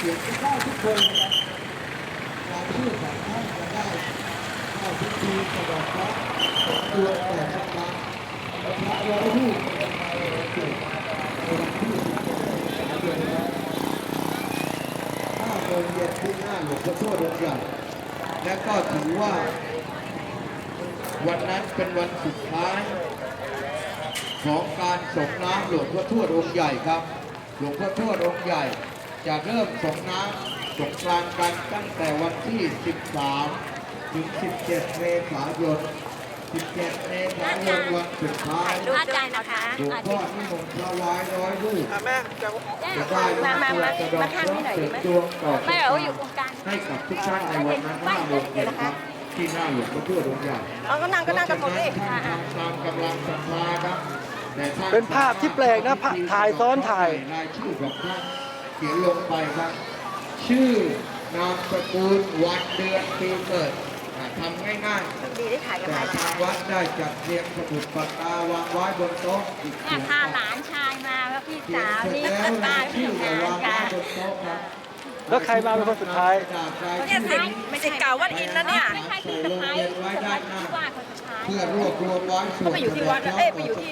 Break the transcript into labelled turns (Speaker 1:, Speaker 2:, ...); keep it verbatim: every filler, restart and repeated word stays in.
Speaker 1: สียงเข้าทุกคนนะครับรายชื่อของท่านจะได้เข้าพิธีสะดอกเคราะห์ของดวงแต่ละครั้งพระร้อยรูปเกิดในวันที่สิบเดือนแล้วห้าโมงเย็นที่หน้าหลวงพ่อโสธรองค์ใหญ่และก็ถือว่าวันนั้นเป็นวันสุดท้ายของการส่งน้ำหลวงพ่อทวดองค์ใหญ่ครับหลวงพ่อทวดองค์ใหญ่จะเริ่มส่งน้ำสงกรานต์กันตั้งแต่วันที่ สิบสาม ถึง สิบเจ็ด เมษายน สิบเจ็ด เมษายนวันสุดท้ายหลวง
Speaker 2: อาจารย์นะคะ
Speaker 1: พ่อนิมนต์ถวายร้อยรูป
Speaker 3: แม่จะ
Speaker 1: จะได้
Speaker 2: มามามา
Speaker 1: จะดอก
Speaker 2: มาทางนี้หน่อย
Speaker 1: เสริ
Speaker 2: ดี
Speaker 1: ม
Speaker 2: ไหม
Speaker 1: ดวงต่อ
Speaker 2: ไม่เราอยู่ตรงกลาง
Speaker 1: ให้กับทุกท่านในวันนั้นห้าโมงเย็นครับที่หน้าหลวงพ่อทวดองค์ใหญ่
Speaker 2: เอาก็นั่งก็นั่งกันหมดเลย
Speaker 1: ท่านทำตามกำลังศรัทธาครับแต่ท่
Speaker 3: เป็นภาพที่แปลกนะถ่ายซ้อนถ่าย
Speaker 1: รายชื่อของท่านเขียนลงไปครับ ชื่อนามสกุลวันเดือนปีเกิดอ่าทำง่าย
Speaker 2: ดีได้ถ่าย
Speaker 1: ๆ
Speaker 2: กัน
Speaker 1: แต่
Speaker 2: ถ่าย
Speaker 1: ทางวัดได้จัดเรียงสมุดปากกาวางไว้บนโต๊ะอีก
Speaker 2: เนี่ยพาหลานชายมาแล้วพี่
Speaker 1: เขีย
Speaker 2: สาน ว
Speaker 1: เสร็จ
Speaker 2: นี่
Speaker 1: แล้ว
Speaker 2: ป้าร
Speaker 1: าย
Speaker 2: พี่
Speaker 1: ชื่อ
Speaker 2: งา
Speaker 1: จะ
Speaker 2: น
Speaker 1: วางไว้
Speaker 2: ค่ะ
Speaker 1: บนโต๊ะครับ
Speaker 3: แล้วใครมาเป็นคนสุดท้าย
Speaker 2: เนี่ยสิไม่ใช่เก่าวัดอินนะเนี่ย
Speaker 1: ไม่ใช่ที่สะพายไว้ด้านหน้า
Speaker 2: ว่าคนสุดท้าย
Speaker 1: เพื่อรวบรวมไว้ส่วน
Speaker 2: ไปอยู่ที่วัดแล้วเอ้ยไปอยู่ที่